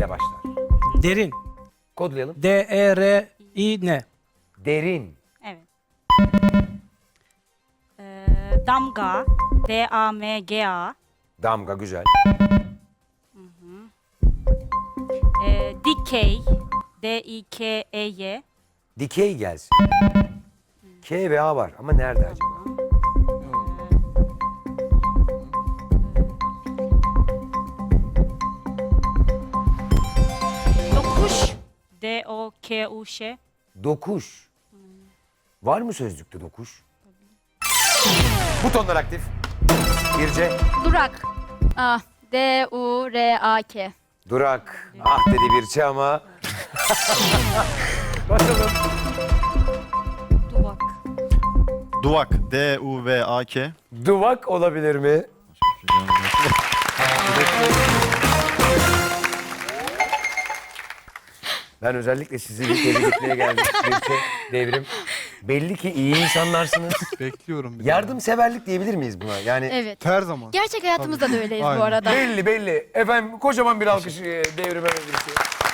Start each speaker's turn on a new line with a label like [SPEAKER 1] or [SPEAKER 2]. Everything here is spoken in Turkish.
[SPEAKER 1] ile başlar.
[SPEAKER 2] Derin.
[SPEAKER 1] Kodlayalım.
[SPEAKER 2] D-E-R-I-N.
[SPEAKER 1] Derin.
[SPEAKER 3] Evet. Damga. D-A-M-G-A.
[SPEAKER 1] Damga güzel.
[SPEAKER 3] Dikey. D-I-K-E-Y.
[SPEAKER 1] Dikey gelsin. K ve A var ama nerede acaba?
[SPEAKER 3] Dokuş. D-O-K-U-Ş.
[SPEAKER 1] Dokuş. Var mı sözlükte dokuş? Butonlar aktif. Birce.
[SPEAKER 4] Durak. Ah, D-U-R-A-K.
[SPEAKER 1] Durak. Ah dedi Birce ama. Bakalım.
[SPEAKER 3] Duvak.
[SPEAKER 5] Duvak. D-U-V-A-K.
[SPEAKER 1] Duvak olabilir mi? Ben özellikle sizi bir tebrik etmeye geldim. Birce, Devrim. Belli ki iyi insanlarsınız.
[SPEAKER 6] Bekliyorum bir
[SPEAKER 1] Yardımseverlik diyebilir miyiz buna? Yani
[SPEAKER 4] Evet.
[SPEAKER 6] Her zaman.
[SPEAKER 4] Gerçek hayatımızda da öyleyiz
[SPEAKER 6] Aynen.
[SPEAKER 4] bu arada.
[SPEAKER 1] belli belli. Efendim kocaman bir alkış Devrime ve Birce'ye.